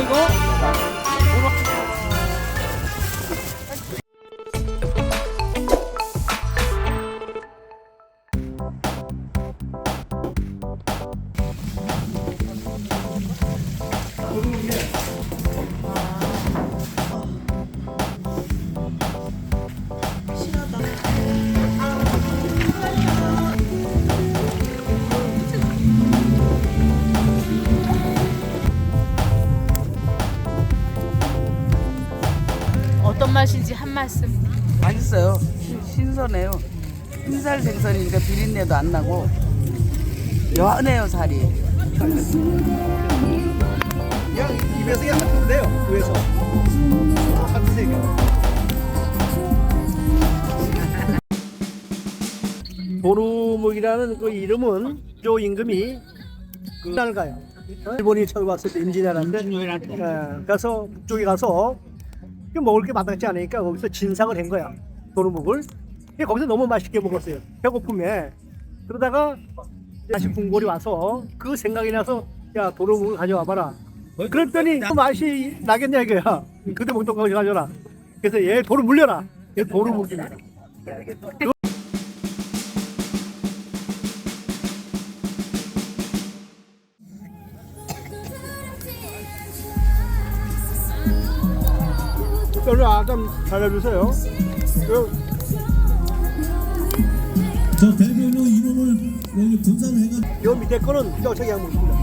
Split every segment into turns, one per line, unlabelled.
이거?
어떤 맛인지 한 말씀.
맛있어요. 신선해요. 흰살 생선이니까 비린내도 안 나고 연해요 살이.
그냥 입에서 그냥 한 돼요. 위에서 한 드세요. 도루묵이라는 그 이름은 조 임금이 그 가요. 일본이 처음 왔을 때 임진왜란때 가서 북쪽에 가서 먹을 게 마땅치 않으니까 거기서 진상을 한 거야. 도루묵을. 거기서 너무 맛있게 먹었어요. 배고픔에. 그러다가 다시 궁궐이 와서 그 생각이 나서 야 도루묵을 가져와 봐라. 그랬더니 그 맛이 나겠냐 이거야. 그때 먹던 거 가져라. 그래서 얘 도루 물려라. 얘 도루묵이야. 뼈를 좀 잘라주세요.
저 대별로 이름을 여기 분산을 해가.
요 밑에 거는 뼈차기 항목입니다.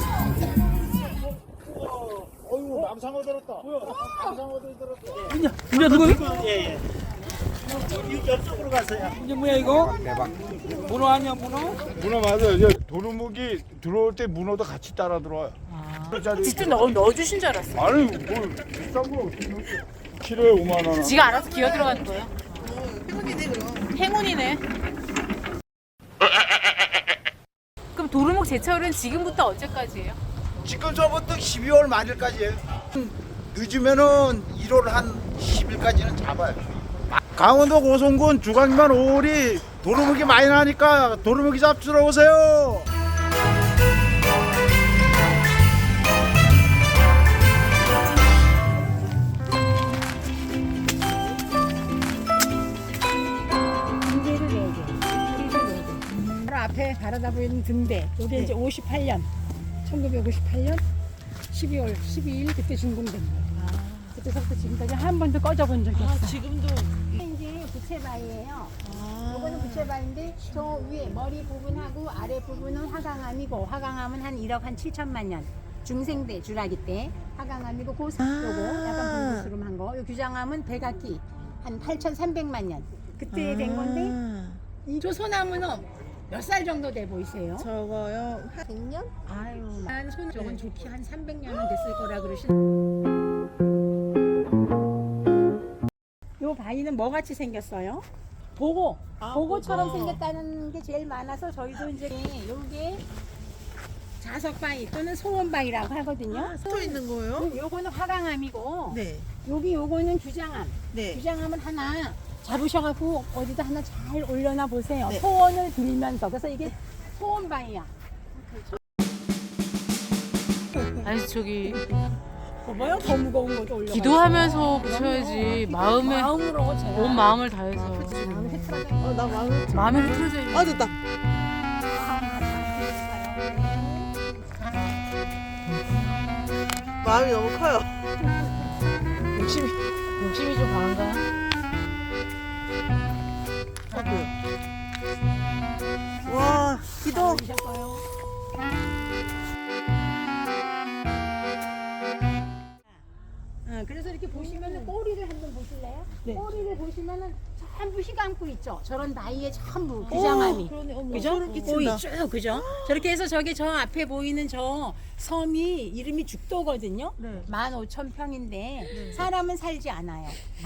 어이구 남상어 들었다. 남상어 들었다.
이제 누구?
예예. 이쪽으로 가세요.
이제 뭐야 이거? 대박. 문어 아니야 문어?
문어 맞아요. 이제 도루묵이 들어올 때 문어도 같이 따라 들어와요.
직접 넣어주신 줄 알았어.
아니 뭐 비싼 거 키로에 5만 원.
지가 알아서 기어 들어가는 거예요. 행운이네 그럼. 행운이네. 그럼 도루묵 제철은 지금부터 언제까지예요?
지금서부터 12월 말일까지예요. 늦으면은 1월 한 10일까지는 잡아요. 강원도 고성군 주강만 5월이 도루묵이 많이 나니까 도루묵이 잡수러 오세요.
바로 앞에 바라다 보이는 등대. 이게 이제 58년, 1958년 12월 12일 그때 준공된 거예요. 그때서부터 지금까지 한 번도 꺼져 본 적이 없어요.
지금도.
이제 부채바위예요. 이거는 부채바위인데 저 위에 머리 부분하고 아래 부분은 화강암이고 화강암은 한 1억 한 7천만 년. 중생대 주라기 때 화강암이고 요거 약간 분부스름한 거. 요 규장암은 백악기 한 8,300만 년. 그때 된 건데 이 소나무는 몇 살 정도 돼 보이세요?
저거요 한 100년?
아유, 난 저건 좋게 한 300년은 됐을 거라 그러시. 요 바위는 뭐 같이 생겼어요? 보고, 보고처럼 생겼다는 게 제일 많아서 저희도 이제 요게 자석바위 또는 소원바위라고 하거든요.
서 있는 거예요?
요거는 화강암이고,
네.
요거는 규장암.
네.
규장암은 하나 잡으셔갖고 어디다 하나 잘 올려놔 보세요.
네.
소원을 빌면서. 그래서 이게 소원바위야.
아니 저기
뭐요? 더 무거운 거도 올려.
기도하면서 부셔야지.
마음으로 제가
온 마음을 다해서.
마음이 흐트러져.
나 마음이
마음이 흐트러져 있는.
아 됐다. 마음이 너무 커요.
욕심이 좀 강한가요?
와 기도.
그래서 이렇게 보시면은 꼬리를 한번 보실래요? 꼬리를 보시면은 전부 휘감고 있죠. 저런 나이에 전부 규장암이. 그죠?
소름
꼬리
끼친다.
쭉 그죠? 저렇게 해서 저기 저 앞에 보이는 저 섬이 이름이 죽도거든요. 15,000평인데 사람은 살지 않아요.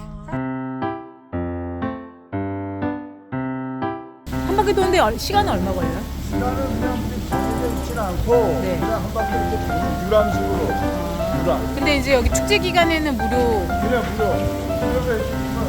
한 바퀴 도는데 시간은 얼마 걸려요?
시간은 그냥 정해져 있진 않고
네.
그냥 한 바퀴 이렇게 도는 유람식으로 유람.
근데 이제 여기 축제 기간에는 무료.
그냥 무료. 그래서